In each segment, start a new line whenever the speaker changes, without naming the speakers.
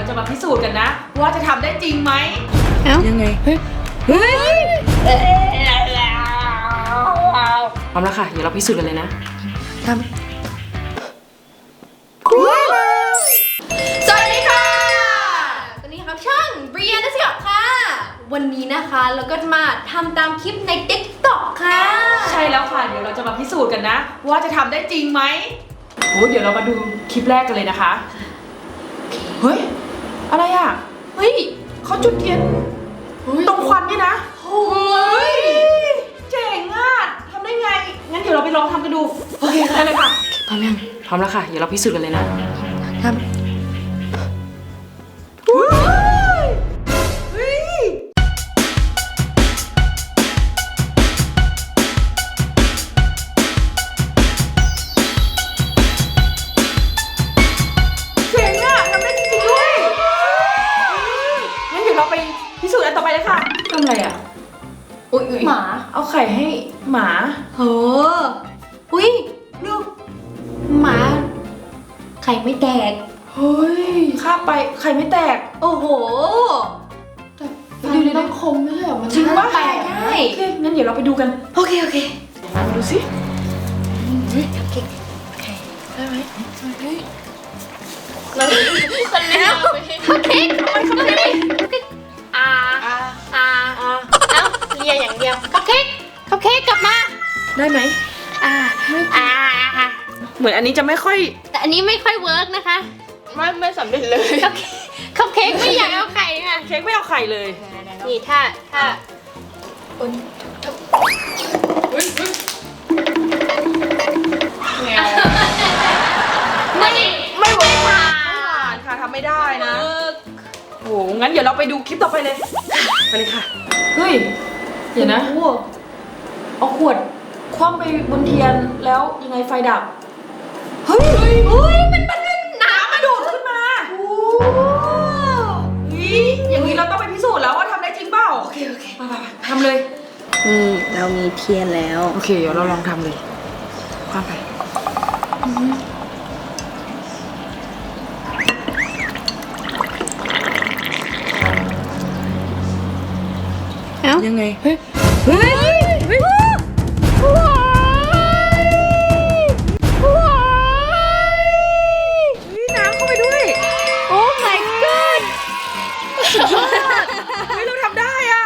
จะมาพิสูจน์กันนะว่าจะทำได้จริงไหม
เอ้า
ยังไง
เฮ้ย
พร้อมแล้วค่ะ เดี๋ยวเราพิสูจน์กันเลยนะทำ
สวัสดีค่ะตอนนี้ครับช่องเรียนนักศึกษาค่ะวันนี้นะคะเราก็จะมาทำตามคลิปใน TikTok ค่ะ
ใช่แล้วค่ะ เดี๋ยวเราจะมาพิสูจน์กันนะว่าจะทำได้จริงไหมโอ้เดี๋ยวเรามาดูคลิปแรกกันเลยนะคะเฮ้ยอะไรอ่ะ
เฮ้ย
เขาจุดเทียนตรงควันนี่นะ
โอ้ย
เจ๋งอ่ะทำได้ไงงั้นเดี๋ยวเราไปลองทำกันดูโอเคได้เลยค่ะพร้อมยังพร้อมแล้วค่ะเดี๋ยวเราพิสูจน์กันเลยนะทำไปพิสูจน์อันต่อไปเลยค่ะทำอะไรอ่ะอุ๊ย
หมา
เอาไข่ให้หมา
เฮ้ออุ้ยดูหมาไข่ไม่แตก
เฮ้ยข้าไปไข่ไม่แตก
โอ้โห
ดูดิต้องคมไม่ใช่เหรอมันจริงว่า
แตกได้
โอเคงั้นเดี๋ยวเราไปดูกัน
โอเคโอเค
มาดูสิ
โอเค
ได้ไหมเฮ้ย
เราคนแล้วโอเคโอเคเอ้าเลียอย่างเดียวคัพเค้กกลับมา
ได้ไหมเหมือนอันนี้จะไม่ค่อย
แต่อันนี้ไม่ค่อยเวิร์กนะคะ
ไม่สำเร็จเลย
คัพเค้กไม่อยากเอาไข่ค่ะ
เค้กไม่เอาไข่เลย
นี่ถ้าไม่เวิร์กค่ะ
ค่ะทำไม่ได้นะโอ้งั้นเดี๋ยวเราไปดูคลิปต่อไปเลยไปเลยค่ะเฮ้ยเดี๋ยวนะเอาขวดคว่ำไปบนเทียนแล้วยังไงไฟดับเฮ้ยมันน้ำมันดูดขึ้นมาอย่างนี้เราต้องไปพิสูจน์แล้วว่าทำได้จริงเปล่าโอเคไปทำเลย
นี่เรามีเทียนแล้ว
โอเคเดี๋ยวเราลองทำเลยคว่ำไป
เอ้า
ยังไงน้ำเข้าไปด้วย
โอ้ my god
เฮ้ยเราทำได้อ่ะ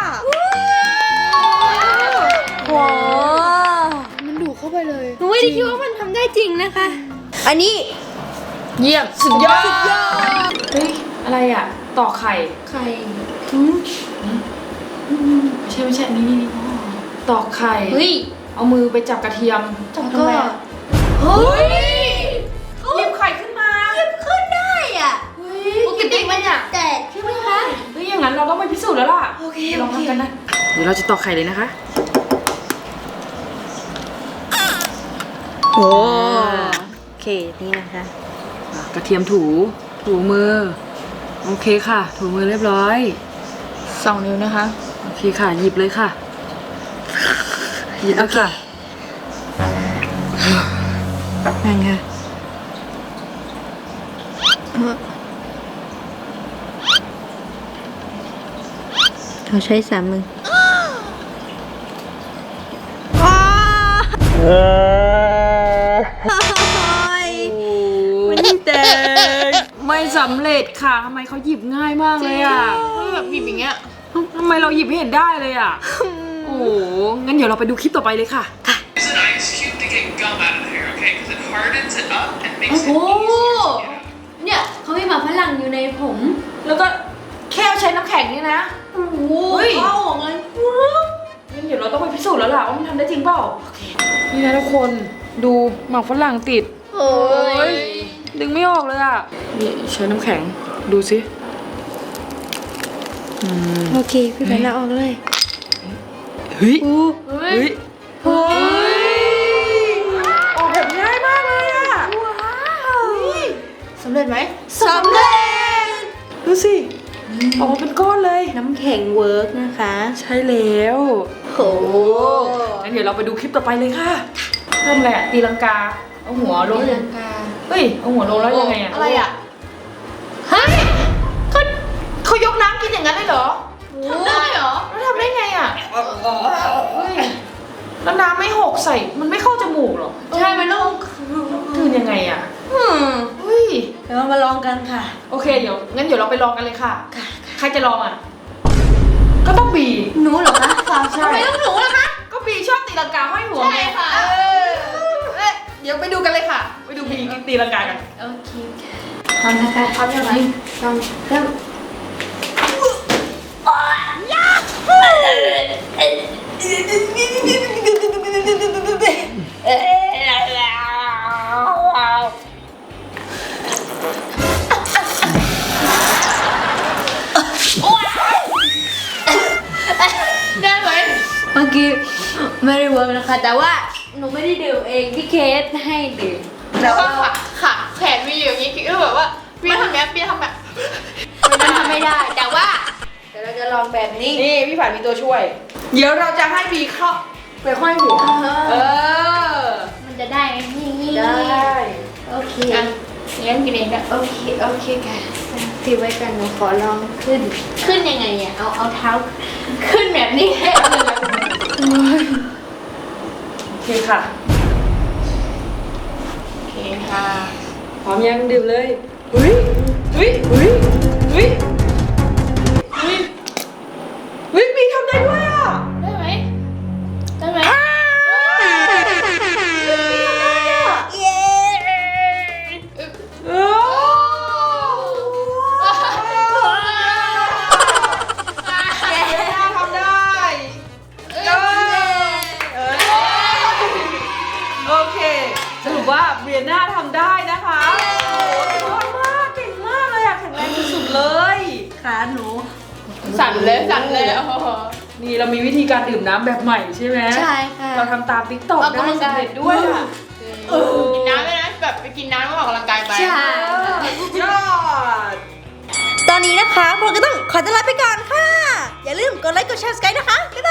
ว้าว
มันดูดเข้าไปเลย
หนูไม่ได้คิดว่ามันทำได้จริงนะคะ อันนี้
เยี่ยมสุดยอดเฮ้ยอะไรอ่ะตอกไข่
ไข่
ไม่ใช่นี่ตอกไข่
เฮ้ย
เอามือไปจับกระเทียม
แล้ว
ทำ
ก็
ไมอะ
เฮ้ย
หยิบไข่ขึ้นมา
ขึ้นได้อ่ะ
เฮ้ย
ปกติมันจะแตกใช่ไหมคะ
เฮ้ยอย่างนั้นเราต้องไปพิสูจน์แล้วล่ะ
โอเค
ลองทำกันนะเดี๋ยวเราจะตอกไข่เลยนะคะ
โอ้โอเคนี่นะคะ
กระเทียมถูมือโอเคค่ะถูมือเรียบร้อย2 นิ้วนะคะโอเคค่ะหยิบเลยค่ะหยิบแล้วค่ะนั่นค่ะ
เราใช้3 มือ
มันแตกไม่สำเร็จค่ะทำไมเขาหยิบง่ายมากเลยอ่ะแบบหยิบอย่างเงี้ยทำไมเราหยิบไม่เห็นได้เลยอ่ะโอ้โหงั้นเดี๋ยวเราไปดูคลิปต่อไปเลยค่ะ
Use an ice cube to get gum out of the hair, okay? Because it hardens it up and makes
โอ้
it
โห
easier to get out.
เนี่ยเขามีหมาฝรั่งอยู่ในผม
แล้วก็แค่ใช้น้ำแข็งนี่นะ
โอ้โห
เฮ้ย
เข้าออกเลย
งั้นเดี๋ยวเราต้องไปพิสูจน์แล้วล่ะว่ามันทำได้จริงเปล่านี่นะทุกคนดูหมากฝรั่งติด
โอ้ย
ดึงไม่ออกเลยอ่ะนี่ใช้น้ำแข็งดูสิ
โอเคพี่แพนเราออกเลย
เฮ้ย
เฮ้
เฮ้
ย
ยออกแบบง่ายมากเลยอ่ะสำเร็จไหม
สำเร็จ
ดูสิออกมาเป็นก้อนเลย
น้ำแข็งเวิร์กนะคะ
ใช่แล้ว
โอ้
งั้นเดี๋ยวเราไปดูคลิปต่อไปเลยค่ะทำอะไรอะตีลังกาเอาหัวลง
ตีลังกา
เฮ้ยเอาหัวลงแล้วยังไงอะ
อะไรอ่ะ เฮ้ยเขา
ใส่มันไม่เข้าจมูกหรอ
ใช่มันต้อง
กลืนยังไงอ่ะ
อืม
เฮ้ย
เดี๋ยวเรามาลองกันค่ะ
โอเคเดี๋ยวงั้นเดี๋ยวเราไปลองกันเลยค่ะ ใครจะลองอ่ะ ก็ต้องบี
หนูเหรอคะค่ะ
ใช่
ทำไมต้องหนูล่ะคะ
ก็บีชอบตีลังกาห้อยหัวไง
ใช่ค่ะ
เออเดี๋ยวไปดูกันเลยค่ะ ไปดูบีตีลังกากัน
โอเคพร้อมนะคะ
พร้อมยังไง
พร้อมเริ่มได้ไหมเมื่อกี้ไม่ได้เวิร์กนะคะ แต่ว่าหนูไม่ได้ดื่มเองพี่เคสให้ดื่ม
แล้วก็ขาแขนมีอยู่อย่างนี้คือแบบว่าพี่ทำแบบพี่ทำแบบ
มันทำไม่ได้ แต่ว่าเดี๋ยวเราจะลองแบบนี้
นี่พี่ฝันมีตัวช่วย เดี๋ยวเราจะให้บีเข้าไปห้อยหัว เออ
มันจะได้ไหมนี่
ได้
โอเค
อ่ะเลี้ยงกินเองก็
โอเคค่ะถือไว้กันหนูขอลองขึ้น ขึ้นยังไงอ่ะเอาเท้า ขึ้นแบบนี้ให้เอาเลย
โอเคค่ะ
โอเคค่ะ
พร้อมยังดื่มเลยอุ้ยอุ้ยอุ้ยอุ้ยอุ้ยอุ้ยบีทำได้ด้วยอ่ะ
ได้ไหมได้ไหม
เย้
เออทำได้โอเคสรุปว่าเบียน่าทำได้นะคะยอดมากเก่งมากเลยอะแข็งแรงสุดๆเลย
ขาหนู
สั่นเลยโอ้โห
นี่เรามีวิธีการดื่มน้ำแบบใหม่ใช่ไหม
ใช่ค่ะ
เราทำตามติ๊กต็อก
ออก
ได้
กำลังกาย
สำเร็จด้วยอะ
กินน้ำด้วยนะแบบไปกินน้ำแล้วออกกำลังกายไป
ใช่
ยอด
ตอนนี้นะคะพวกเราก็ต้องขอตัวลาไปก่อนค่ะ อย่าลืมกดไลค์กดแชร์สกายนะคะ บ๊าย